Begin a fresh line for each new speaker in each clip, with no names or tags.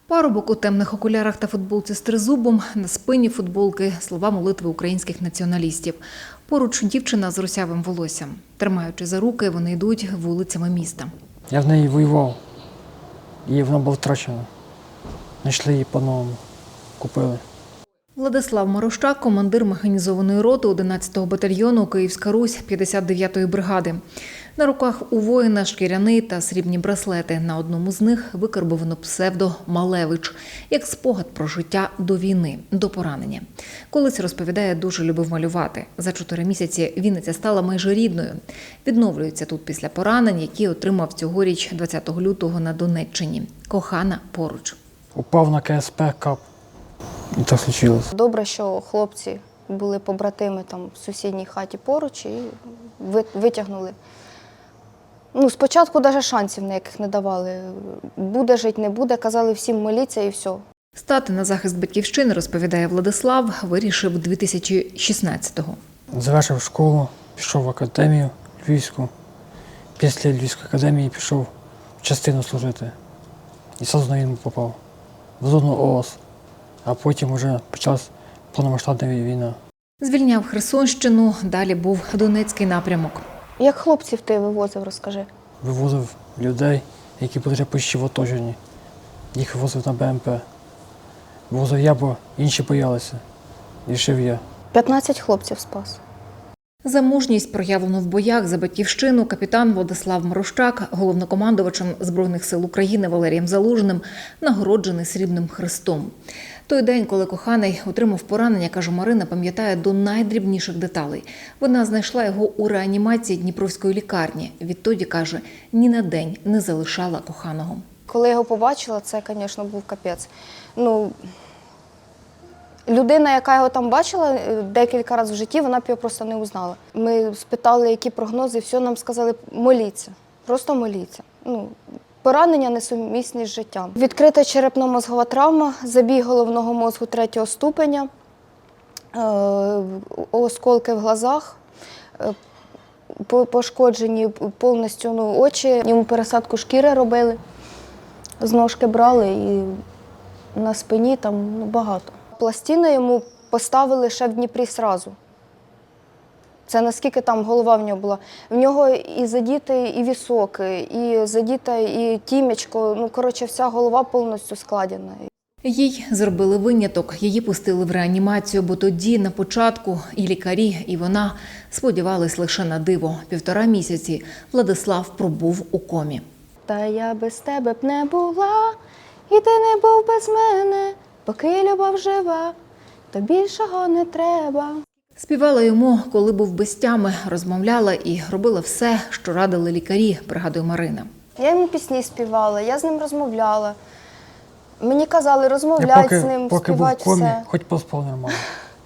Парубок у темних окулярах та футболці з тризубом, на спині футболки слова молитви українських націоналістів. Поруч дівчина з русявим волоссям. Тримаючи за руки, вони йдуть вулицями міста.
Я в неї воював, і вона була втрачена. Знайшли її по-новому, купили.
Владислав Марощак – командир механізованої роти 11-го батальйону «Київська Русь» 59-ї бригади. На руках у воїна шкіряний та срібні браслети. На одному з них викарбовано псевдо «Малевич» як спогад про життя до війни, до поранення. Колись, розповідає, дуже любив малювати. За 4 місяці Вінниця стала майже рідною. Відновлюється тут після поранень, які отримав цьогоріч 20 лютого на Донеччині. Кохана поруч.
Упав на КСП, кап. І так случилось.
Добре, що хлопці були побратими там в сусідній хаті поруч і витягнули. Спочатку навіть шансів ніяких не давали. Буде жити, не буде, казали всім моліться і все.
Стати на захист батьківщини, розповідає Владислав, вирішив 2016-го.
Завершив школу, пішов в академію Львівську. Після Львівської академії пішов в частину служити. І сразу на війну попав. В зону ООС. А потім вже почалась повномасштабна війна.
Звільняв Херсонщину, далі був Донецький напрямок.
Як хлопців ти вивозив, розкажи.
Вивозив людей, які були вже почти в оточенні. Їх вивозив на БМП. Вивозив я, бо інші боялися. Рішив я.
15 хлопців спас.
За мужність, проявлену в боях за батьківщину, капітан Владислав Марощак, головнокомандувачем Збройних сил України Валерієм Залужним, нагороджений Срібним Хрестом. Той день, коли коханий отримав поранення, каже Марина, пам'ятає до найдрібніших деталей. Вона знайшла його у реанімації Дніпровської лікарні. Відтоді, каже, ні на день не залишала коханого.
Коли я його побачила, це, звісно, був капець. Людина, яка його там бачила декілька разів в житті, вона б його просто не узнала. Ми спитали, які прогнози, все нам сказали, моліться, просто моліться. Поранення несумісні з життям. Відкрита черепно-мозгова травма, забій головного мозку 3-го ступеня, осколки в глазах, пошкоджені повністю очі, йому пересадку шкіри робили, з ножки брали і на спині там багато. Пластину йому поставили ще в Дніпрі зразу. Це наскільки там голова в нього була. В нього і задітий і вісок, і задіта і тімечко. Вся голова повністю складена.
Їй зробили виняток, її пустили в реанімацію, бо тоді, на початку, і лікарі, і вона сподівались лише на диво. 1,5 місяці Владислав пробув у комі.
Та я без тебе б не була, і ти не був без мене, поки любов жива, то більшого не треба.
Співала йому, коли був без тями, розмовляла і робила все, що радили лікарі, пригадує Марина.
Я йому пісні співала, я з ним розмовляла. Мені казали, розмовляй з ним,
поки
співати
був в комі,
все.
хоч поспав нормально.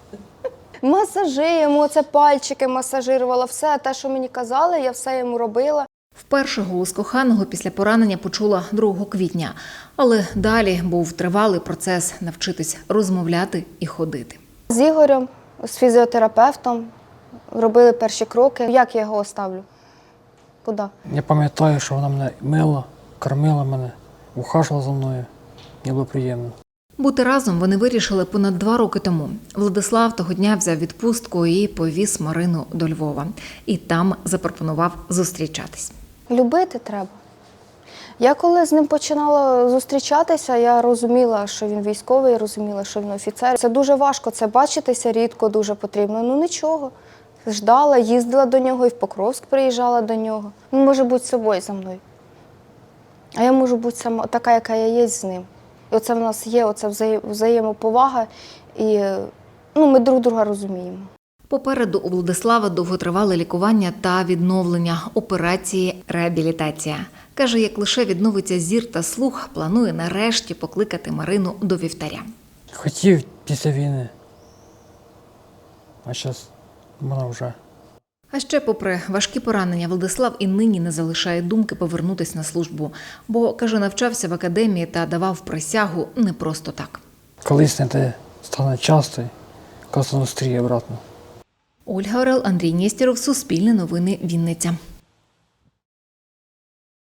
Масажі йому, це пальчики масажирувала, все те, що мені казали, я все йому робила.
Вперше голос коханого після поранення почула 2 квітня. Але далі був тривалий процес навчитись розмовляти і ходити.
З Ігорем, з фізіотерапевтом робили перші кроки. Як я його оставлю? Куди?
Я пам'ятаю, що вона мене мила, кормила мене, ухажувала за мною. Мені було приємно.
Бути разом вони вирішили понад 2 роки тому. Владислав того дня взяв відпустку і повіз Марину до Львова. І там запропонував зустрічатись.
Любити треба. Я коли з ним починала зустрічатися, я розуміла, що він військовий, розуміла, що він офіцер. Це дуже важко, це бачитися рідко, дуже потрібно. Нічого. Ждала, їздила до нього і в Покровськ приїжджала до нього. Він може бути собою за мною. А я можу бути сама, така, яка я є з ним. І оце в нас є, оце взаємоповага, і ми друг друга розуміємо.
Попереду у Владислава довготривале лікування та відновлення, операції, реабілітація. Каже, як лише відновиться зір та слух, планує нарешті покликати Марину до вівтаря.
Хотів після війни, а зараз вона вже.
А ще, попри важкі поранення, Владислав і нині не залишає думки повернутися на службу. Бо, каже, навчався в академії та давав присягу не просто так.
Колись не те стане часто, коли зустріє обратно.
Ольга Орел, Андрій Нєстєров, Суспільне новини, Вінниця.